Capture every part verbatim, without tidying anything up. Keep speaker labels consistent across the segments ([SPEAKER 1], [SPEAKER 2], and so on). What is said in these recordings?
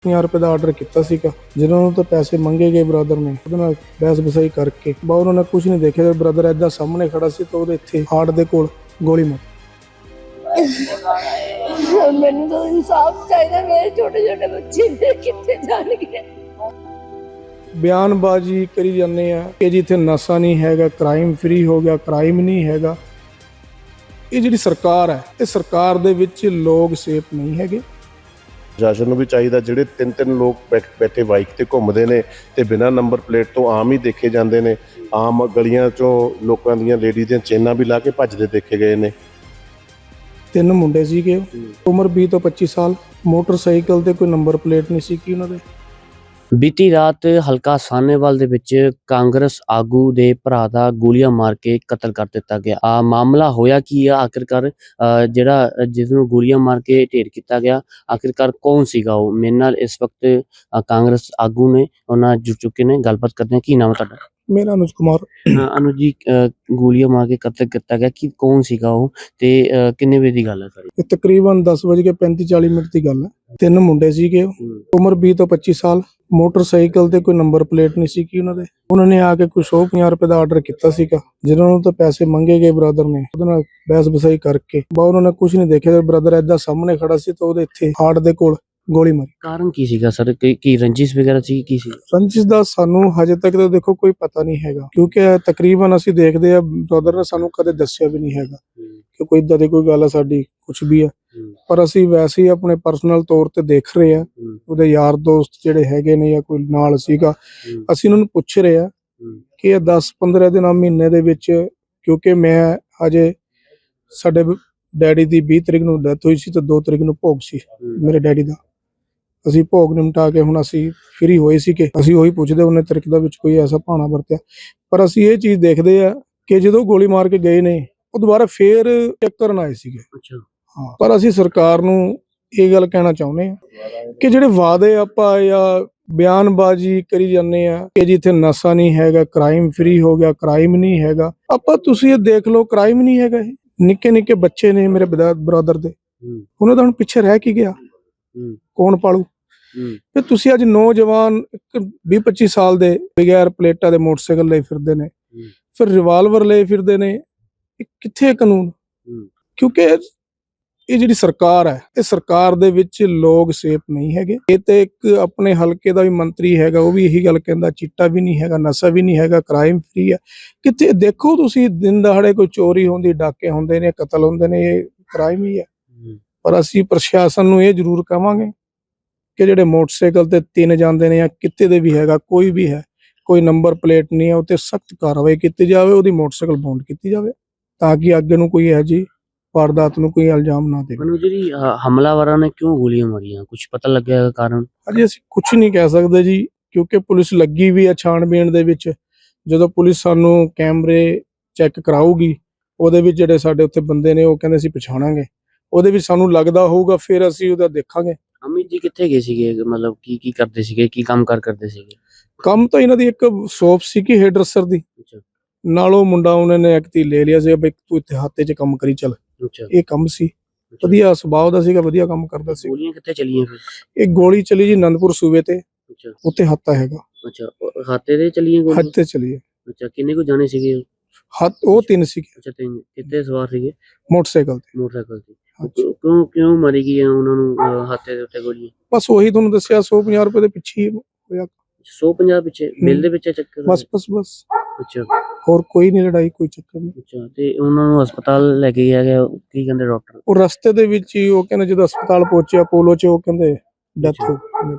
[SPEAKER 1] ਪੰਜਾਹ ਰੁਪਏ ਦਾ ਆਰਡਰ ਕੀਤਾ ਸੀਗਾ। ਜਿਹਨਾਂ ਨੂੰ ਤਾਂ ਪੈਸੇ ਮੰਗੇ ਗਏ ਬ੍ਰਦਰ ਨੇ, ਉਹਦੇ ਨਾਲ ਬਹਿਸ ਬਸਾਈ ਕਰਕੇ ਬਾ ਉਹਨਾਂ ਨੇ ਕੁਝ ਨਹੀਂ ਦੇਖਿਆ। ਬ੍ਰਦਰ ਏਦਾਂ ਸਾਹਮਣੇ ਖੜਾ ਸੀ ਤਾਂ ਉਹਦੇ ਇੱਥੇ ਹਾਰਟ ਦੇ ਕੋਲ ਗੋਲੀ ਮਾਰੀ।
[SPEAKER 2] ਮੈਨੂੰ ਤਾਂ ਇਨਸਾਫ ਚਾਹੀਦਾ। ਮੇਰੇ ਛੋਟੇ ਛੋਟੇ ਬੱਚੇ ਨੇ ਕਿੱਥੇ ਜਾਣਗੇ।
[SPEAKER 1] ਬਿਆਨਬਾਜ਼ੀ ਕਰੀ ਜਾਂਦੇ ਆ ਕਿ ਜਿੱਥੇ ਨਸ਼ਾ ਨਹੀਂ ਹੈਗਾ, ਕ੍ਰਾਈਮ ਫ੍ਰੀ ਹੋ ਗਿਆ, ਕ੍ਰਾਈਮ ਨਹੀਂ ਹੈਗਾ। ਇਹ ਜਿਹੜੀ ਸਰਕਾਰ ਹੈ, ਇਹ ਸਰਕਾਰ ਦੇ ਵਿੱਚ ਲੋਕ ਸੇਫ ਨਹੀਂ ਹੈਗੇ।
[SPEAKER 3] ਪ੍ਰਸ਼ਾਸਨ ਨੂੰ ਵੀ ਚਾਹੀਦਾ, ਜਿਹੜੇ ਤਿੰਨ ਤਿੰਨ ਲੋਕ ਬੈਠੇ ਬਾਈਕ ਤੇ ਘੁੰਮਦੇ ਨੇ ਤੇ ਬਿਨਾਂ ਨੰਬਰ ਪਲੇਟ ਤੋਂ ਆਮ ਹੀ ਦੇਖੇ ਜਾਂਦੇ ਨੇ। ਆਮ ਗਲੀਆਂ ਚੋਂ ਲੋਕਾਂ ਦੀਆਂ ਲੇਡੀ ਦੀਆਂ ਚੇਨਾਂ ਵੀ ਲਾ ਕੇ ਭੱਜਦੇ ਦੇਖੇ ਗਏ ਨੇ।
[SPEAKER 1] ਤਿੰਨ ਮੁੰਡੇ ਸੀਗੇ, ਉਮਰ ਵੀਹ ਤੋਂ ਪੱਚੀ ਸਾਲ। ਮੋਟਰਸਾਈਕਲ ਤੇ ਕੋਈ ਨੰਬਰ ਪਲੇਟ ਨਹੀਂ ਸੀ ਕਿ ਉਹਨਾਂ ਦੇ।
[SPEAKER 4] ਬੀਤੀ ਰਾਤ ਹਲਕਾ ਸਾਹਨੇਵਾਲ ਦੇ ਵਿੱਚ ਕਾਂਗਰਸ ਆਗੂ ਦੇ ਭਰਾ ਦਾ ਗੋਲੀਆਂ ਮਾਰ ਕੇ ਕਤਲ ਕਰ ਦਿੱਤਾ ਗਿਆ। ਆ ਮਾਮਲਾ ਹੋਇਆ ਕੀ ਆ ਆਖਿਰਕਾਰ, ਜਿਹੜਾ ਜਿਸ ਨੂੰ ਗੋਲੀਆਂ ਮਾਰ ਕੇ ਢੇਰ ਕੀਤਾ ਗਿਆ, ਆਖਿਰਕਾਰ ਕੌਣ ਸੀਗਾ ਉਹ? ਮੇਰੇ ਨਾਲ ਇਸ ਵਕਤ ਕਾਂਗਰਸ ਆਗੂ ਨੇ, ਉਹਨਾਂ ਜੁੜ ਚੁੱਕੇ ਨੇ। ਗੱਲਬਾਤ ਕਰਦੇ ਹਾਂ। ਕੀ ਨਾਮ ਹੈ ਤੁਹਾਡਾ?
[SPEAKER 1] ਮੇਰਾ ਅਨੁਜ ਕੁਮਾਰ।
[SPEAKER 4] ਅਨੁਜ ਜੀ, ਗੋਲੀਆਂ ਮਾਰ ਕੇ ਕਤਲ ਕੀਤਾ ਗਿਆ, ਕੀ ਕੌਣ ਸੀਗਾ ਉਹ ਤੇ ਕਿੰਨੇ ਵਜੇ ਦੀ ਗੱਲ ਹੈ ਸਾਰੀ?
[SPEAKER 1] ਇਹ ਤਕਰੀਬਨ ਦਸ ਵਜੇ ਕੇ ਪੈਂਤੀ ਚਾਲੀ ਮਿੰਟ ਦੀ ਗੱਲ ਹੈ। ਤਿੰਨ ਮੁੰਡੇ ਸੀਗੇ, ਉਮਰ ਵੀਹ ਤੋਂ ਪੱਚੀ ਸਾਲ। ਮੋਟਰਸਾਈਕਲ ਤੇ ਕੋਈ ਨੰਬਰ ਪਲੇਟ ਨਹੀਂ ਸੀ ਕਿ ਉਹਨਾਂ ਦੇ। ਉਹਨਾਂ ਨੇ ਆ ਕੇ ਕੁਝ ਸੌ ਪੰਜਾਹ ਰੁਪਏ ਦਾ ਆਰਡਰ ਕੀਤਾ ਸੀਗਾ। ਜਿਹਨਾਂ ਨੂੰ ਤਾਂ ਪੈਸੇ ਮੰਗੇ ਗਏ ਬ੍ਰਦਰ ਨੇ, ਉਹਦੇ ਨਾਲ ਬਹਿਸ ਬਸਾਈ ਕਰਕੇ ਬਾ ਉਹਨਾਂ ਨੇ ਕੁਝ ਨਹੀਂ ਦੇਖਿਆ। ਬ੍ਰਦਰ ਏਦਾਂ ਸਾਹਮਣੇ ਖੜਾ ਸੀ ਤਾਂ ਉਹਦੇ ਇੱਥੇ ਹਾਰਟ ਦੇ ਕੋਲ ਗੋਲੀ ਮਾਰੀ।
[SPEAKER 4] ਕਾਰਨ ਕੀ ਸੀਗਾ ਸਰ? ਕੀ ਰੰਜਿਸ਼ ਵਗੈਰਾ ਸੀ? ਕੀ ਸੀ
[SPEAKER 1] ਰੰਜਿਸ਼ ਦਾ ਸਾਨੂੰ ਹਜੇ ਤੱਕ ਤਾਂ ਦੇਖੋ ਕੋਈ ਪਤਾ ਨਹੀਂ ਹੈਗਾ, ਕਿਉਂਕਿ ਤਕਰੀਬਨ ਅਸੀਂ ਦੇਖਦੇ ਆ ਬ੍ਰਦਰ ਨੇ ਸਾਨੂੰ ਕਦੇ ਦੱਸਿਆ ਵੀ ਨਹੀਂ ਹੈਗਾ ਕਿ ਕੋਈ ਇਦਾਂ ਦੀ ਕੋਈ ਗੱਲ ਆ ਸਾਡੀ ਕੁਝ ਵੀ ਆ। ਪਰ ਅਸੀਂ ਵੈਸੇ ਹੀ ਆਪਣੇ ਪਰਸਨਲ ਤੌਰ ਤੇ ਦੇਖ ਰਹੇ ਆ, ਉਹਦੇ ਯਾਰ ਦੋਸਤ ਜਿਹੜੇ ਹੈਗੇ ਨੇ ਜਾਂ ਕੋਈ ਨਾਲ ਸੀਗਾ, ਅਸੀਂ ਉਹਨਾਂ ਨੂੰ ਪੁੱਛ ਰਹੇ ਆ ਕਿ ਇਹ ਦਸ ਪੰਦਰਾਂ ਦਿਨਾਂ ਮਹੀਨੇ ਦੇ ਵਿੱਚ, ਕਿਉਂਕਿ ਮੈਂ ਅਜੇ ਸਾਡੇ ਡੈਡੀ ਦੀ ਵੀਹ ਤਰੀਕ ਨੂੰ ਡੈਥ ਹੋਈ ਸੀ ਤੇ ਦੋ ਤਰੀਕ ਨੂੰ ਭੋਗ ਸੀ ਮੇਰੇ ਡੈਡੀ ਦਾ। ਅਸੀਂ ਭੋਗ ਨਿਮਟਾ ਕੇ ਹੁਣ ਅਸੀਂ ਫ੍ਰੀ ਹੋਏ ਸੀ ਕਿ ਅਸੀਂ ਉਹੀ ਪੁੱਛਦੇ ਉਹਨੇ ਤਰੀਕ ਦਾ ਵਿੱਚ ਕੋਈ ਐਸਾ ਭਾਣਾ ਵਰਤਿਆ। ਪਰ ਅਸੀਂ ਇਹ ਚੀਜ਼ ਦੇਖਦੇ ਆ ਕਿ ਜਦੋਂ ਗੋਲੀ ਮਾਰ ਕੇ ਗਏ ਨੇ ਉਹ ਦੁਬਾਰਾ ਫੇਰ ਚੈੱਕ ਕਰਨ ਆਏ ਸੀਗੇ। ਹਾਂ, ਪਰ ਅਸੀਂ ਸਰਕਾਰ ਨੂੰ ਇਹ ਗੱਲ ਕਹਿਣਾ ਚਾਹੁੰਦੇ ਆ ਕਿ ਜਿਹੜੇ ਵਾਅਦੇ ਆਪਾਂ ਜਾਂ ਬਿਆਨਬਾਜ਼ੀ ਕਰੀ ਜਾਂਦੇ ਆ ਕਿ ਜਿੱਥੇ ਨਸ਼ਾ ਨਹੀਂ ਹੈਗਾ, ਕ੍ਰਾਈਮ ਫ੍ਰੀ ਹੋ ਗਿਆ, ਕ੍ਰਾਈਮ ਨਹੀਂ ਹੈਗਾ। ਆਪਾਂ ਤੁਸੀਂ ਇਹ ਦੇਖ ਲਓ, ਕ੍ਰਾਈਮ ਨਹੀਂ ਹੈਗਾ। ਇਹ ਨਿੱਕੇ ਨਿੱਕੇ ਬੱਚੇ ਨੇ ਮੇਰੇ ਬ੍ਰਦਰ ਦੇ, ਉਹਨਾਂ ਦਾ ਹੁਣ ਪਿੱਛੇ ਰਹਿ ਕੀ ਗਿਆ? ਕੌਣ ਪਾਲੂ? ਤੇ ਤੁਸੀਂ ਅੱਜ ਨੌਜਵਾਨ ਵੀਹ ਪੱਚੀ ਸਾਲ ਦੇ ਬਗੈਰ ਪਲੇਟਾਂ ਦੇ ਮੋਟਰਸਾਈਕਲ ਲਈ ਫਿਰਦੇ ਨੇ, ਫਿਰ ਰਿਵਾਲਵਰ ਲਈ ਫਿਰਦੇ ਨੇ। ਇਹ ਕਿੱਥੇ ਕਾਨੂੰਨ? ਕਿਉਂਕਿ ਇਹ ਜਿਹੜੀ ਸਰਕਾਰ ਹੈ, ਇਹ ਸਰਕਾਰ ਦੇ ਵਿੱਚ ਲੋਕ ਸੇਫ ਨਹੀਂ ਹੈਗੇ। ਇਹ ਤੇ ਇੱਕ ਆਪਣੇ ਹਲਕੇ ਦਾ ਵੀ ਮੰਤਰੀ ਹੈਗਾ, ਉਹ ਵੀ ਇਹੀ ਗੱਲ ਕਹਿੰਦਾ, ਚਿੱਟਾ ਵੀ ਨਹੀਂ ਹੈਗਾ, ਨਸ਼ਾ ਵੀ ਨਹੀਂ ਹੈਗਾ, ਕ੍ਰਾਈਮ ਫ੍ਰੀ ਹੈ। ਕਿੱਥੇ ਦੇਖੋ ਤੁਸੀਂ, ਦਿਨ ਦਹਾੜੇ ਕੋਈ ਚੋਰੀ ਹੁੰਦੀ, ਡਾਕੇ ਹੁੰਦੇ ਨੇ, ਕਤਲ ਹੁੰਦੇ ਨੇ, ਇਹ ਕ੍ਰਾਈਮ ਹੀ ਹੈ। ਪਰ ਅਸੀਂ ਪ੍ਰਸ਼ਾਸਨ ਨੂੰ ਇਹ ਜ਼ਰੂਰ ਕਹਾਂਗੇ ਕਿ ਜਿਹੜੇ ਮੋਟਰਸਾਈਕਲ ਤੇ ਤਿੰਨ ਜਾਂਦੇ ਨੇ ਜਾਂ ਕਿਤੇ ਦੇ ਵੀ ਹੈਗਾ, ਕੋਈ ਵੀ ਹੈ, ਕੋਈ ਨੰਬਰ ਪਲੇਟ ਨਹੀਂ ਹੈ, ਉੱਤੇ ਸਖਤ ਕਾਰਵਾਈ ਕੀਤੀ ਜਾਵੇ, ਉਹਦੀ ਮੋਟਰਸਾਈਕਲ ਬੌਂਡ ਕੀਤੀ ਜਾਵੇ ਤਾਂ ਕਿ ਅੱਗੇ ਨੂੰ ਕੋਈ ਇਹੋ ਜਿਹੀ ਵਾਰਦਾਤ ਨੂੰ ਕੋਈ ਇਲਜ਼ਾਮ ਨਾ ਦੇਵੇ।
[SPEAKER 4] ਮੈਨੂੰ ਜਿਹੜੀ ਹਮਲਾਵਰਾਂ ਨੇ ਕਿਉਂ ਗੋਲੀਆਂ ਮਾਰੀਆਂ, ਕੁਝ ਪਤਾ ਲੱਗਿਆ ਕਾਰਨ?
[SPEAKER 1] ਅਜੇ ਅਸੀਂ ਕੁਝ ਨਹੀਂ ਕਹਿ ਸਕਦੇ ਜੀ, ਕਿਉਂਕਿ ਪੁਲਿਸ ਲੱਗੀ ਵੀ ਹੈ ਛਾਣਬੀਣ ਦੇ ਵਿੱਚ। ਜਦੋਂ ਪੁਲਿਸ ਸਾਨੂੰ ਕੈਮਰੇ ਚੈੱਕ ਕਰਾਊਗੀ, ਉਹਦੇ ਵਿੱਚ ਜਿਹੜੇ ਸਾਡੇ ਉੱਥੇ ਬੰਦੇ ਨੇ ਉਹ ਕਹਿੰਦੇ ਅਸੀਂ ਪਛਾਣਾਂਗੇ, ਉਹਦੇ ਵਿੱਚ ਸਾਨੂੰ ਲੱਗਦਾ ਹੋਊਗਾ, ਫਿਰ ਅਸੀਂ ਉਹਦਾ ਦੇਖਾਂਗੇ।
[SPEAKER 4] ਅਮਿਤ ਜੀ ਕਿੱਥੇ ਗਏ ਸੀਗੇ? ਮਤਲਬ ਕੀ ਕੀ ਕਰਦੇ ਸੀਗੇ, ਕੀ ਕੰਮ ਕਾਰ ਕਰਦੇ ਸੀਗੇ?
[SPEAKER 1] ਕੰਮ ਤਾਂ ਇਹਨਾਂ ਦੀ ਇੱਕ ਸ਼ੋਪ ਸੀ ਕਿ ਹੇਅਰ ਡਰੈਸਰ ਦੀ, ਨਾਲ ਉਹ ਮੁੰਡਾ ਉਹਨਾਂ ਨੇ ਇੱਕ ਤੀ ਲੈ ਲਿਆ ਸੀ ਬਈ ਤੂੰ ਇੱਥੇ ਹੱਥੇ 'ਚ ਕੰਮ ਕਰੀ ਚੱਲ। ਇਹ ਕੰਮ ਸੀ, ਵਧੀਆ ਸੁਭਾਅ ਦਾ ਸੀਗਾ, ਵਧੀਆ ਕੰਮ ਕਰਦਾ ਸੀ।
[SPEAKER 4] ਗੋਲੀਆਂ ਕਿੱਥੇ ਚਲੀਆਂ ਫਿਰ?
[SPEAKER 1] ਇਹ ਗੋਲੀ ਚਲੀ ਜੀ ਅਨੰਦਪੁਰ ਸੂਬੇ ਤੇ, ਉੱਥੇ ਹੱਤਾ ਹੈਗਾ।
[SPEAKER 4] ਅੱਛਾ, ਹਾਤੇ ਤੇ ਚਲੀਆਂ ਗੋਲੀਆਂ?
[SPEAKER 1] ਹੱਥੇ ਚਲੀ।
[SPEAKER 4] ਅੱਛਾ, ਕਿੰਨੇ ਕੁ ਜਾਣੇ ਸੀਗੇ?
[SPEAKER 1] ਹੱਥ ਉਹ ਤਿੰਨ ਸੀਗੇ।
[SPEAKER 4] ਅੱਛਾ, ਤਿੰਨ। ਕਿੱਥੇ ਸਵਾਰ ਸੀਗੇ?
[SPEAKER 1] ਮੋਟਰਸਾਈਕਲ ਤੇ।
[SPEAKER 4] ਮੋਟਰਸਾਈਕਲ ਤੇ। ਕਿਉਂ ਕਿਉਂ ਮਾਰੀ ਗਈ ਉਹਨਾਂ ਨੂੰ ਹਾਤੇ ਦੇ ਉੱਤੇ ਗੋਲੀਆਂ?
[SPEAKER 1] ਬਸ ਉਹੀ ਤੁਹਾਨੂੰ ਦੱਸਿਆ, ਸੌ ਪੰਜਾਹ ਰੁਪਏ ਦੇ ਪਿੱਛੇ ਹੋਇਆ।
[SPEAKER 4] ਸੌ ਪੰਜਾਹ ਪਿੱਛੇ? ਬਿੱਲ ਦੇ ਪਿੱਛੇ ਚੱਕਰ?
[SPEAKER 1] ਬਸ ਬਸ ਬਸ।
[SPEAKER 4] ਅੱਛਾ,
[SPEAKER 1] ਹੋਰ ਕੋਈ ਨਹੀਂ ਲੜਾਈ, ਕੋਈ ਚੱਕਰ ਨਹੀਂ।
[SPEAKER 4] ਅੱਛਾ, ਤੇ ਉਹਨਾਂ ਨੂੰ ਹਸਪਤਾਲ ਲੈ ਕੇ ਗਿਆ ਗਿਆ, ਕੀ ਕਹਿੰਦੇ ਡਾਕਟਰ?
[SPEAKER 1] ਉਹ ਰਸਤੇ ਦੇ ਵਿੱਚ ਹੀ ਉਹ ਕਹਿੰਦੇ ਜਦੋਂ ਹਸਪਤਾਲ ਪਹੁੰਚਿਆ ਅਪੋਲੋ 'ਚ, ਉਹ ਕਹਿੰਦੇ ਡੈਥ ਹੋ ਗਈ।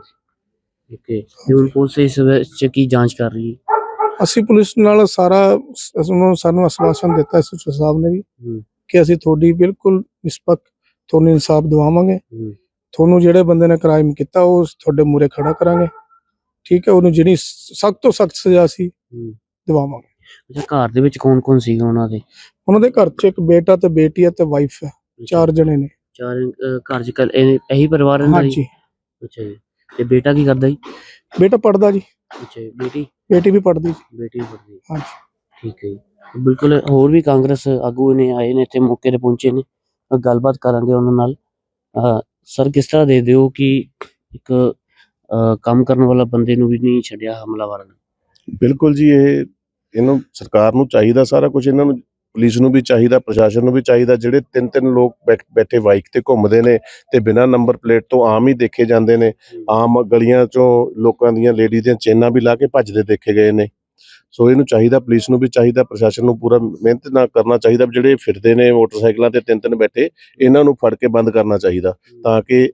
[SPEAKER 4] ਓਕੇ, ਹੁਣ ਪੁਲਿਸ ਇਸ ਵਿੱਚ ਕੀ ਜਾਂਚ ਕਰ ਰਹੀ ਹੈ?
[SPEAKER 1] ਅਸੀਂ ਪੁਲਿਸ ਨਾਲ ਸਾਰਾ ਸਾਨੂੰ ਆਸ਼ਵਾਸਨ ਦਿੱਤਾ ਐਸਐਚਓ ਸਾਹਿਬ ਨੇ ਵੀ ਕਿ ਅਸੀਂ ਤੁਹਾਡੀ ਬਿਲਕੁਲ ਨਿਸਪੱਖ ਤੁਹਾਨੂੰ ਇਨਸਾਫ ਦਿਵਾਵਾਂਗੇ। ਤੁਹਾਨੂੰ ਜਿਹੜੇ ਬੰਦੇ ਨੇ ਕ੍ਰਾਈਮ ਕੀਤਾ ਉਹ ਤੁਹਾਡੇ ਮੂਹਰੇ ਖੜਾ ਕਰਾਂਗੇ, ਠੀਕ ਹੈ। ਉਹਨੂੰ ਜਿਹੜੀ ਸਖਤ ਤੋਂ ਸਖਤ ਸਜ਼ਾ ਸੀ ਦਿਵਾਵਾਂਗੇ।
[SPEAKER 4] ਅੱਛਾ, ਘਰ ਦੇ ਵਿੱਚ ਕੌਣ ਕੌਣ ਸੀਗਾ ਉਹਨਾਂ ਦੇ?
[SPEAKER 1] ਉਹਨਾਂ ਦੇ ਘਰ 'ਚ ਇੱਕ ਬੇਟਾ ਤੇ ਬੇਟੀ ਹੈ ਤੇ ਵਾਈਫ ਹੈ, ਚਾਰ ਜਣੇ ਨੇ।
[SPEAKER 4] ਚਾਰ ਘਰ 'ਚ ਇਹੀ ਪਰਿਵਾਰ ਰਹਿੰਦਾ?
[SPEAKER 1] ਹਾਂਜੀ।
[SPEAKER 4] ਅੱਛਾ ਜੀ, ਤੇ ਬੇਟਾ ਕੀ ਕਰਦਾ ਜੀ?
[SPEAKER 1] ਬੇਟਾ ਪੜਦਾ ਜੀ।
[SPEAKER 4] ਅੱਛਾ, ਬੇਟੀ? ਬੇਟੀ
[SPEAKER 1] ਵੀ ਪੜਦੀ ਜੀ।
[SPEAKER 4] ਬੇਟੀ ਵੀ ਪੜਦੀ।
[SPEAKER 1] ਹਾਂਜੀ,
[SPEAKER 4] ਠੀਕ ਹੈ ਜੀ। ਬਿਲਕੁਲ, ਹੋਰ ਵੀ ਕਾਂਗਰਸ ਆਗੂ ਨੇ ਆਏ ਨੇ ਇੱਥੇ, ਮੌਕੇ ਤੇ ਪਹੁੰਚੇ ਨੇ, ਗੱਲਬਾਤ ਕਰਾਂਗੇ ਉਹਨਾਂ ਨਾਲ। ਸਰ, ਕਿਸ ਤਰ੍ਹਾਂ ਦੇ ਦਿਓ ਕਿ ਇੱਕ ਅ, ਕੰਮ ਕਰਨ ਵਾਲਾ ਬੰਦੇ ਨੂੰ ਵੀ ਨਹੀਂ ਛੱਡਿਆ ਹਮਲਾਵਰਾਂ ਨੇ।
[SPEAKER 3] ਬਿਲਕੁਲ ਜੀ, ਇਹ ਇਹਨੂੰ ਸਰਕਾਰ ਨੂੰ ਚਾਹੀਦਾ ਸਾਰਾ ਕੁਝ, ਇਹਨਾਂ ਨੂੰ ਪੁਲਿਸ ਨੂੰ ਵੀ ਚਾਹੀਦਾ, ਪ੍ਰਸ਼ਾਸਨ ਨੂੰ ਵੀ ਚਾਹੀਦਾ। ਜਿਹੜੇ ਤਿੰਨ ਤਿੰਨ ਲੋਕ ਬੈਠ- ਬੈਠੇ ਬਾਈਕ ਤੇ ਘੁੰਮਦੇ ਨੇ ਤੇ ਬਿਨਾਂ ਨੰਬਰ ਪਲੇਟ ਤੋਂ ਆਮ ਹੀ ਦੇਖੇ ਜਾਂਦੇ ਨੇ, ਆਮ ਗਲੀਆਂ ਚੋਂ ਲੋਕਾਂ ਦੀਆਂ ਲੇਡੀ ਦੀਆਂ ਚੇਨਾਂ ਵੀ ਲਾ ਕੇ ਭੱਜਦੇ ਦੇਖੇ ਗਏ ਨੇ। ਸੋ ਇਹਨੂੰ ਚਾਹੀਦਾ, ਪੁਲਿਸ ਨੂੰ ਵੀ ਚਾਹੀਦਾ, ਪ੍ਰਸ਼ਾਸਨ ਨੂੰ ਪੂਰਾ ਮਿਹਨਤ ਨਾਲ ਕਰਨਾ ਚਾਹੀਦਾ। ਜਿਹੜੇ ਫਿਰਦੇ ਨੇ ਮੋਟਰਸਾਈਕਲਾਂ ਤੇ ਤਿੰਨ ਤਿੰਨ ਬੈਠੇ, ਇਹਨਾਂ ਨੂੰ ਫੜ ਕੇ ਬੰਦ ਕਰਨਾ ਚਾਹੀਦਾ ਤਾਂ ਕਿ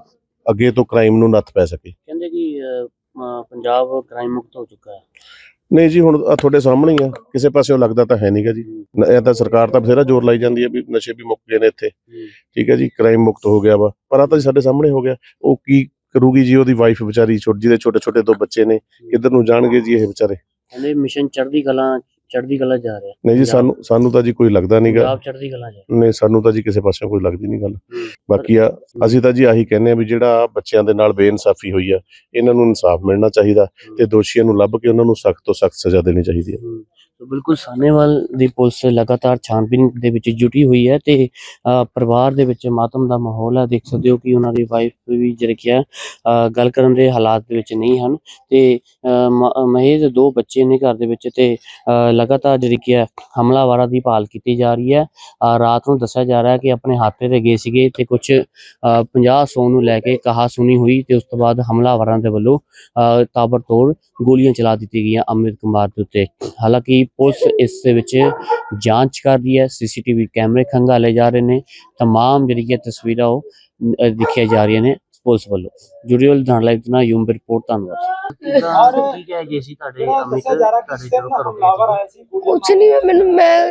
[SPEAKER 3] ਅੱਗੇ ਤੋਂ ਕ੍ਰਾਈਮ ਨੂੰ ਨੱਥ ਪੈ ਸਕੇ।
[SPEAKER 4] ਕਹਿੰਦੇ ਕਿ ਅ, ਅ, ਪੰਜਾਬ ਕ੍ਰਾਈਮ ਮੁਕਤ ਹੋ ਚੁੱਕਾ ਹੈ।
[SPEAKER 3] ਨਹੀਂ ਜੀ, ਹੁਣ ਆਹ ਤੁਹਾਡੇ ਸਾਹਮਣੇ ਹੀ ਆ, ਕਿਸੇ ਪਾਸਿਓਂ ਲੱਗਦਾ ਤਾਂ ਹੈ ਨਹੀਂਗਾ ਜੀ। ਨ- ਇਹ ਤਾਂ ਸਰਕਾਰ ਤਾਂ ਬਥੇਰਾ ਜ਼ੋਰ ਲਾਈ ਜਾਂਦੀ ਹੈ ਵੀ ਨਸ਼ੇ ਵੀ ਮੁੱਕ ਗਏ ਨੇ ਇੱਥੇ, ਠੀਕ ਹੈ ਜੀ, ਕ੍ਰਾਈਮ ਮੁਕਤ ਹੋ ਗਿਆ ਵਾ, ਪਰ ਆ ਤਾਂ ਜੀ ਸਾਡੇ ਸਾਹਮਣੇ ਹੋ ਗਿਆ। ਉਹ ਕੀ ਕਰੂਗੀ ਜੀ, ਉਹਦੀ ਵਾਈਫ ਵਿਚਾਰੀ, ਛੋਟੀ ਜਿਹਦੇ ਛੋਟੇ ਛੋਟੇ ਦੋ ਬੱਚੇ ਨੇ, ਕਿੱਧਰ ਨੂੰ ਜਾਣਗੇ ਜੀ ਇਹ ਵਿਚਾਰੇ।
[SPEAKER 4] ਕਹਿੰਦੇ ਮਿਸ਼ਨ ਚੜ੍ਹਦੀ ਕਲਾ ਚੜ੍ਹਦੀ ਕਲਾ ਜਾ ਰਿਹਾ।
[SPEAKER 3] ਨਹੀਂ ਜੀ, ਸਾਨੂੰ ਸਾਨੂੰ ਤਾਂ ਜੀ ਕੋਈ ਲੱਗਦਾ ਨਹੀਂਗਾ।
[SPEAKER 4] ਪੰਜਾਬ ਚੜ੍ਹਦੀ ਕਲਾ ਜਾ
[SPEAKER 3] ਨਹੀਂ, ਸਾਨੂੰ ਤਾਂ ਜੀ ਕਿਸੇ ਪਾਸਿਓਂ ਕੋਈ ਲੱਗਦੀ ਨਹੀਂ ਗੱਲ। ਬਾਕੀ ਆ ਅਸੀਂ ਤਾਂ ਜੀ ਆਹੀ ਕਹਿੰਦੇ ਆ ਵੀ ਜਿਹੜਾ ਬੱਚਿਆਂ ਦੇ ਨਾਲ ਬੇਇਨਸਾਫੀ ਹੋਈ ਆ, ਇਹਨਾਂ ਨੂੰ ਇਨਸਾਫ ਮਿਲਣਾ ਚਾਹੀਦਾ ਤੇ ਦੋਸ਼ੀਆਂ ਨੂੰ ਲੱਭ ਕੇ ਉਹਨਾਂ ਨੂੰ ਸਖਤ ਤੋਂ ਸਖਤ ਸਜ਼ਾ ਦੇਣੀ ਚਾਹੀਦੀ ਹੈ।
[SPEAKER 4] ਹਮ, ਤਾਂ ਬਿਲਕੁਲ ਸਾਹਨੇਵਾਲ ਦੀ ਪੁਲਿਸ ਲਗਾਤਾਰ ਛਾਣਬੀਨ ਦੇ ਵਿੱਚ ਜੁਟੀ ਹੋਈ ਹੈ ਤੇ ਅ, ਪਰਿਵਾਰ ਦੇ ਵਿੱਚ ਮਾਤਮ ਦਾ ਮਾਹੌਲ ਹੈ। ਦੇਖ ਸਕਦੇ ਹੋ ਕਿ ਉਹਨਾਂ ਦੀ ਵਾਈਫ ਵੀ ਜਿਹੜੀ ਕਿ ਹੈ ਅ, ਗੱਲ ਕਰਨ ਦੇ ਹਾਲਾਤ ਦੇ ਵਿੱਚ ਨਹੀਂ ਹਨ ਤੇ ਅ, ਮ- ਮਹੇਸ਼ ਦੇ ਦੋ ਬੱਚੇ ਨੇ ਘਰ ਦੇ ਵਿੱਚ ਤੇ ਅ, ਲਗਾਤਾਰ ਜਿਹੜੀ ਕਿ ਹੈ ਹਮਲਾਵਰਾਂ ਦੀ ਭਾਲ ਕੀਤੀ ਜਾ ਰਹੀ ਹੈ। ਅ, ਰਾਤ ਨੂੰ ਦੱਸਿਆ ਜਾ ਰਿਹਾ ਹੈ ਕਿ ਆਪਣੇ ਹਾਤੇ ਤੇ ਗਏ ਸੀਗੇ ਤੇ ਕੁਝ ਪੰਜਾਹ ਸੌ ਨੂੰ ਲੈ ਕੇ ਕਹਾ ਸੁਣੀ ਹੋਈ ਤੇ ਉਸ ਤੋਂ ਬਾਅਦ ਹਮਲਾਵਰਾਂ ਦੇ ਵੱਲੋਂ ਅ, ਤਾਬੜਤੋੜ ਗੋਲੀਆਂ ਚਲਾ ਦਿੱਤੀ ਗਈਆਂ ਅੰਮ੍ਰਿਤ ਕੁਮਾਰ ਦੇ ਉੱਤੇ। ਹਾਲਾਂਕਿ ਪੁਲਿਸ ਇਸ ਦੇ ਵਿੱਚ ਜਾਂਚ ਕਰ ਰਹੀ ਹੈ, ਸੀਸੀਟੀਵੀ ਕੈਮਰੇ ਖੰਗਾਲੇ ਜਾ ਰਹੇ ਨੇ, ਤਮਾਮ ਜਿਹੜੀਆਂ ਤਸਵੀਰਾਂ ਉਹ ਅ, ਦਿਖਾਈਆਂ ਜਾ ਰਹੀਆਂ ਨੇ ਪੁਲਿਸ ਵੱਲੋਂ। ਜੁੜਿਓ ਲੁਧਿਆਣਾ ਲਾਈਵ ਨਾਲ ਯੂਮ ਰਿਪੋਰਟ। ਧੰਨਵਾਦ। ਠੀਕ ਹੈ ਜੀ, ਸੀ ਤੁਹਾਡੇ ਅਮਿਤ ਤੁਹਾਡੇ ਜਦੋਂ ਘਰੋਂ ਗਏ ਸੀ।
[SPEAKER 2] ਕੁਛ ਨਹੀਂ, ਮੈਨੂੰ ਮੈਂ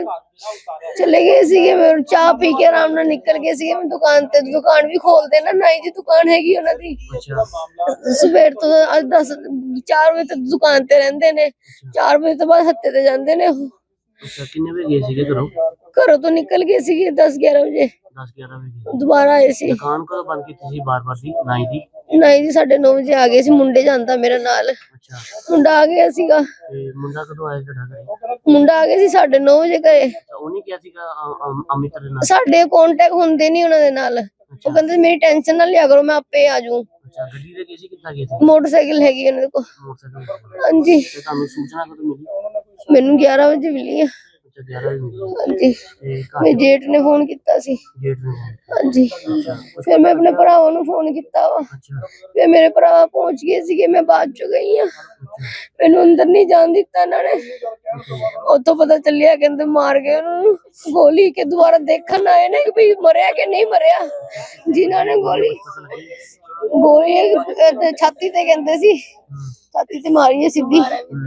[SPEAKER 2] ਚਲੇ ਗਏ ਸੀਗੇ, ਮੈਂ ਚਾਹ ਪੀ ਕੇ ਆਰਾਮ ਨਾਲ ਨਿਕਲ ਗਏ ਸੀਗੇ। ਮੈਂ ਦੁਕਾਨ ਤੇ, ਦੁਕਾਨ ਵੀ ਖੋਲਦੇ ਨਾ, ਨਾਈ ਦੀ ਦੁਕਾਨ ਹੈਗੀ ਉਹਨਾਂ ਦੀ।
[SPEAKER 4] ਅੱਛਾ,
[SPEAKER 2] ਸਵੇਰ ਤੋਂ ਅੱਜ ਦਸ ਚਾਰ ਵਜੇ ਤੱਕ ਦੁਕਾਨ ਤੇ ਰਹਿੰਦੇ ਨੇ, ਚਾਰ ਵਜੇ ਤੋਂ ਬਾਅਦ ਹੱਤੇ ਤੇ ਜਾਂਦੇ ਨੇ ਉਹ।
[SPEAKER 4] ਅੱਛਾ, ਕਿੰਨੇ ਵਜੇ ਗਏ ਸੀਗੇ ਘਰੋਂ?
[SPEAKER 2] ਘਰੋਂ ਤੋਂ ਨਿਕਲ ਗਏ ਸੀਗੇ ਦਸ ਗਿਆਰਾਂ ਵਜੇ,
[SPEAKER 4] ਦਸ ਗਿਆਰਾਂ ਵਜੇ ਗਏ।
[SPEAKER 2] ਦੁਬਾਰਾ ਆਏ ਸੀ।
[SPEAKER 4] ਦੁਕਾਨ ਕਦੋਂ ਬੰਦ ਕੀਤੀ ਸੀ ਬਾਰ-ਬਾਰ ਦੀ ਨਾਈ ਦੀ?
[SPEAKER 2] ਨਾਈ ਜੀ ਸਾਢੇ ਨੌ ਵਜੇ ਆ ਗਏ ਸੀ। ਮੁੰਡੇ ਜਾਂਦਾ ਮੇਰੇ ਨਾਲ,
[SPEAKER 4] ਅੱਛਾ,
[SPEAKER 2] ਮੁੰਡਾ ਆ ਗਿਆ ਸੀਗਾ।
[SPEAKER 4] ਤੇ ਮੁੰਡਾ ਕਦੋਂ ਆਇਆ ਤੁਹਾਡਾ ਘਰੇ?
[SPEAKER 2] ਮੁੰਡਾ ਆ ਗਿਆ ਸੀ ਸਾਢੇ ਨੌ ਵਜੇ ਘਰੇ।
[SPEAKER 4] ਤਾਂ ਉਹਨੇ ਕਿਹਾ ਸੀਗਾ ਅ- ਅ- ਅਮਿਤ ਦੇ ਨਾਲ?
[SPEAKER 2] ਸਾਡੇ ਕੰਟੈਕਟ ਹੁੰਦੇ ਨਹੀਂ ਉਹਨਾਂ ਦੇ ਨਾਲ। ਉਹ ਕਹਿੰਦੇ ਮੇਰੀ ਟੈਨਸ਼ਨ ਨਾ ਲਿਆ ਕਰੋ, ਮੈਂ ਆਪੇ ਆ ਜਾਊਂ।
[SPEAKER 4] ਅੱਛਾ, ਗੱਡੀ ਤੇ ਗਏ ਸੀ, ਕਿੱਦਾਂ ਗਏ ਸੀ?
[SPEAKER 2] ਮੋਟਰਸਾਈਕਲ ਹੈਗੀ ਉਹਨਾਂ ਦੇ ਕੋਲ।
[SPEAKER 4] ਮੋਟਰਸਾਈਕਲ ਤੇ।
[SPEAKER 2] ਹਾਂਜੀ,
[SPEAKER 4] ਤੇ ਤੁਹਾਨੂੰ ਸੂਚਨਾ ਕਦੋਂ ਮਿਲੀ?
[SPEAKER 2] ਮੈਨੂੰ ਗਿਆਰਾਂ ਵਜੇ ਮਿਲੀ ਆ।
[SPEAKER 4] ਅੱਛਾ, ਗਿਆਰਾਂ ਵਜੇ ਮਿਲੀ।
[SPEAKER 2] ਹਾਂਜੀ,
[SPEAKER 4] ਤੇ
[SPEAKER 2] ਮੇਰੇ
[SPEAKER 4] ਘਰ
[SPEAKER 2] ਜੇਠ ਨੇ ਫੋਨ ਕੀਤਾ ਸੀ।
[SPEAKER 4] ਗੇਟ ਨੂੰ?
[SPEAKER 2] ਹਾਂਜੀ,
[SPEAKER 4] ਅੱਛਾ, ਕੁਛ
[SPEAKER 2] ਫਿਰ ਮੈਂ ਆਪਣੇ ਭਰਾਵਾਂ ਨੂੰ ਫੋਨ ਕੀਤਾ ਵਾ।
[SPEAKER 4] ਅੱਛਾ,
[SPEAKER 2] ਫਿਰ ਮੇਰੇ ਭਰਾ ਪਹੁੰਚ ਗਏ ਸੀਗੇ, ਮੈਂ ਬਾਅਦ ਚ ਗਈ ਆ। ਮੈਨੂੰ ਅੰਦਰ ਨਹੀਂ ਜਾਣ ਦਿੱਤਾ ਇਹਨਾਂ ਨੇ। ਉੱਥੋਂ ਪਤਾ ਚੱਲਿਆ ਕਹਿੰਦੇ ਮਾਰ ਗਏ ਉਹਨੂੰ ਗੋਲੀ, ਕੇ ਦੁਬਾਰਾ ਦੇਖਣ ਆਏ ਨੇ ਕਿ ਵੀ ਮਰਿਆ ਕਿ ਨਹੀਂ ਮਰਿਆ। ਜਿਨ੍ਹਾਂ ਨੇ ਗੋਲੀ ਗੋਲੀ ਤੇ ਛਾਤੀ ਤੇ ਕਹਿੰਦੇ ਸੀ, ਛਾਤੀ ਤੇ ਮਾਰੀ ਹੈ ਸਿੱਧੀ।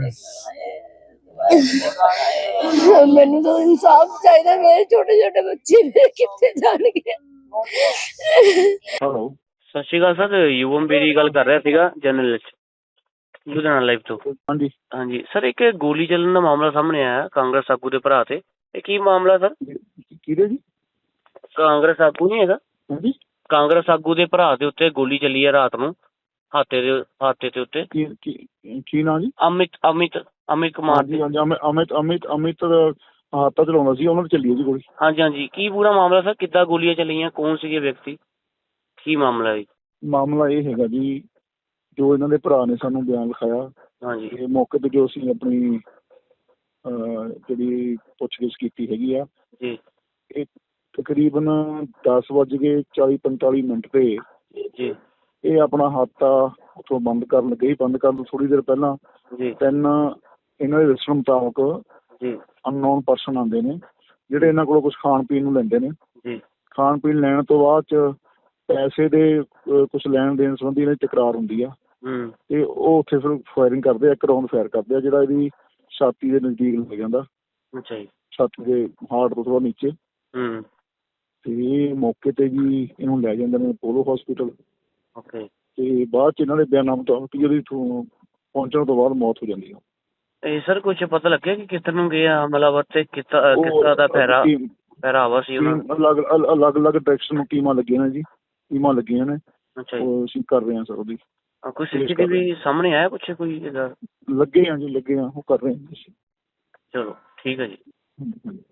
[SPEAKER 2] ਮੈਨੂੰ ਤਾਂ ਇਨਸਾਫ ਚਾਹੀਦਾ, ਮੇਰੇ ਛੋਟੇ ਛੋਟੇ ਬੱਚੇ ਮੇਰੇ ਕਿੱਥੇ ਜਾਣਗੇ।
[SPEAKER 4] ਹੈਲੋ, ਸਤਿ ਸ਼੍ਰੀ ਅਕਾਲ ਸਰ, ਯੂਵਮ ਬੇਰੀ ਗੱਲ ਕਰ ਰਿਹਾ ਸੀਗਾ, ਜਰਨਲਿਸਟ, ਲੁਧਿਆਣਾ ਲਾਈਵ ਤੋਂ।
[SPEAKER 5] ਹਾਂਜੀ
[SPEAKER 4] ਹਾਂਜੀ ਸਰ, ਇੱਕ ਗੋਲੀ ਚੱਲਣ ਦਾ ਮਾਮਲਾ ਸਾਹਮਣੇ ਆਇਆ ਕਾਂਗਰਸ ਆਗੂ ਦੇ ਭਰਾ ਤੇ, ਇਹ ਕੀ ਮਾਮਲਾ ਸਰ?
[SPEAKER 5] ਕਿਹਦੇ ਜੀ?
[SPEAKER 4] ਕਾਂਗਰਸ ਆਗੂ ਨਹੀਂ ਹੈਗਾ,
[SPEAKER 5] ਹਾਂਜੀ,
[SPEAKER 4] ਕਾਂਗਰਸ ਆਗੂ ਦੇ ਭਰਾ ਦੇ ਉੱਤੇ ਗੋਲੀ ਚੱਲੀ ਹੈ ਰਾਤ ਨੂੰ, ਹਾਤੇ ਦੇ ਹਾਤੇ ਦੇ ਉੱਤੇ।
[SPEAKER 5] ਕੀ ਕੀ- ਕੀ ਨਾਂ ਜੀ?
[SPEAKER 4] ਅਮਿਤ ਅਮਿਤ ਅਮਿਤ ਕੁਮਾਰ
[SPEAKER 5] ਹਾਂਜੀ
[SPEAKER 4] ਦੀ।
[SPEAKER 5] ਹਾਂਜੀ, ਅਮਿਤ ਅਮਿਤ ਅਮਿਤ ਅਮਿਤ ਹਾਤਾ ਚਲਾਉਂਦਾ ਸੀ, ਉਹਨਾਂ ਤੇ ਚੱਲੀ ਹੈ ਜੀ ਗੋਲੀ।
[SPEAKER 4] ਹਾਂਜੀ ਹਾਂਜੀ, ਕੀ ਪੂਰਾ ਮਾਮਲਾ ਸਰ? ਕਿੱਦਾਂ ਗੋਲੀਆਂ ਚੱਲੀਆਂ, ਕੌਣ ਸੀਗੇ ਵਿਅਕਤੀ, ਕੀ ਮਾਮਲਾ ਹੈ?
[SPEAKER 5] ਮਾਮਲਾ ਇਹ ਹੈਗਾ ਜੀ, ਜੋ ਇਹਨਾਂ ਦੇ ਭਰਾ ਨੇ ਸਾਨੂੰ ਬਿਆਨ ਲਿਖਾਇਆ,
[SPEAKER 4] ਹਾਂਜੀ
[SPEAKER 5] ਇਹ ਮੌਕੇ ਤੇ ਜੋ ਅਸੀਂ ਆਪਣੀ ਅਹ, ਜਿਹੜੀ ਪੁੱਛਗਿੱਛ ਕੀਤੀ ਹੈਗੀ ਆ,
[SPEAKER 4] ਜੀ
[SPEAKER 5] ਇਹ ਤਕਰੀਬਨ ਦਸ ਵੱਜ ਕੇ ਚਾਲੀ ਪੰਤਾਲੀ ਮਿੰਟ ਤੇ
[SPEAKER 4] ਜੀ
[SPEAKER 5] ਇਹ ਆਪਣਾ ਹਾਤਾ ਉੱਥੋਂ ਬੰਦ ਕਰਨ ਲੱਗੇ। ਬੰਦ ਕਰਨ ਤੋਂ ਥੋੜੀ ਦੇਰ ਪਹਿਲਾਂ
[SPEAKER 4] ਜੀ
[SPEAKER 5] ਤਿੰਨ ਇਹਨਾਂ ਦੇ ਦੱਸਣ ਮੁਤਾਬਕ
[SPEAKER 4] ਜੀ
[SPEAKER 5] ਅਨਨੋਨ ਪਰਸਨ ਆਉਂਦੇ ਨੇ, ਜਿਹੜੇ ਇਹਨਾਂ ਕੋਲੋਂ ਕੁਝ ਖਾਣ ਪੀਣ ਨੂੰ ਲੈਂਦੇ ਨੇ।
[SPEAKER 4] ਜੀ
[SPEAKER 5] ਖਾਣ ਪੀਣ ਲੈਣ ਤੋਂ ਬਾਅਦ ਚ ਪੈਸੇ ਦੇ ਕੁਝ ਲੈਣ ਦੇਣ ਸੰਬੰਧੀ ਇਹਨਾਂ ਦੀ ਤਕਰਾਰ ਹੁੰਦੀ ਆ,
[SPEAKER 4] ਹੂੰ
[SPEAKER 5] ਤੇ ਉਹ ਉੱਥੇ ਫਿਰ ਫਾਇਰਿੰਗ ਕਰਦੇ ਆ, ਇੱਕ ਰਾਉਂਡ ਫਾਇਰ ਕਰਦੇ ਆ ਜਿਹੜਾ ਇਹਦੀ ਛਾਤੀ ਦੇ ਨਜ਼ਦੀਕ ਲੱਗ ਜਾਂਦਾ,
[SPEAKER 4] ਅੱਛਾ ਜੀ,
[SPEAKER 5] ਛਾਤੀ ਦੇ ਹਾਰਟ ਤੋਂ ਥੋੜਾ ਨੀਚੇ।
[SPEAKER 4] ਹੂੰ
[SPEAKER 5] ਤੇ ਇਹ ਮੌਕੇ ਤੇ ਜੀ ਇਹਨੂੰ ਲੈ ਜਾਂਦੇ ਨੇ ਪੋਲੋ ਹਸਪੀਟਲ,
[SPEAKER 4] ਓਕੇ।
[SPEAKER 5] ਤੇ ਬਾਅਦ ਚ ਇਹਨਾਂ ਦੇ ਬਿਆਨਾਂ ਮੁਤਾਬਕ ਇਹਦੀ ਇੱਥੋਂ ਪਹੁੰਚਣ ਤੋਂ ਬਾਅਦ ਮੌਤ ਹੋ ਜਾਂਦੀ ਆ।
[SPEAKER 4] ਇਹ ਸਰ ਕੁਝ ਪਤਾ ਲੱਗਿਆ ਕਿ ਕਿੱਧਰ ਨੂੰ ਗਏ ਆ ਹਮਲਾਵਰ ਤੇ ਕਿਸ ਤਰ੍ਹਾਂ ਕਿਸ ਤਰ੍ਹਾਂ ਦਾ ਪਹਿਰਾ
[SPEAKER 5] ਟੀਮ-
[SPEAKER 4] ਪਹਿਰਾਵਾ ਸੀ ਉਹਨਾਂ ਦਾ?
[SPEAKER 5] ਟੀਮ ਅਲੱਗ ਅਲ- ਅਲੱਗ ਅਲੱਗ ਡਾਇਰੈਕਸ਼ਨ ਨੂੰ ਟੀਮਾਂ ਲੱਗੀਆਂ ਨੇ ਜੀ, ਟੀਮਾਂ ਲੱਗੀਆਂ ਨੇ,
[SPEAKER 4] ਅੱਛਾ ਜੀ,
[SPEAKER 5] ਉਹ ਅਸੀਂ ਕਰ ਰਹੇ ਹਾਂ ਸਰ ਉਹਦੀ।
[SPEAKER 4] ਆ ਕੋਈ ਸੀਸੀਟੀਵੀ ਸਾਹਮਣੇ ਆਇਆ ਕੁਛ ਕੋਈ ਇਹਦਾ?
[SPEAKER 5] ਲੱਗੇ ਆ ਜੀ, ਲੱਗੇ ਆ, ਉਹ ਕਰ ਰਹੇ ਹਾਂ ਜੀ।
[SPEAKER 4] ਚਲੋ ਠੀਕ ਹੈ ਜੀ।
[SPEAKER 5] ਹਮ, ਹਮ।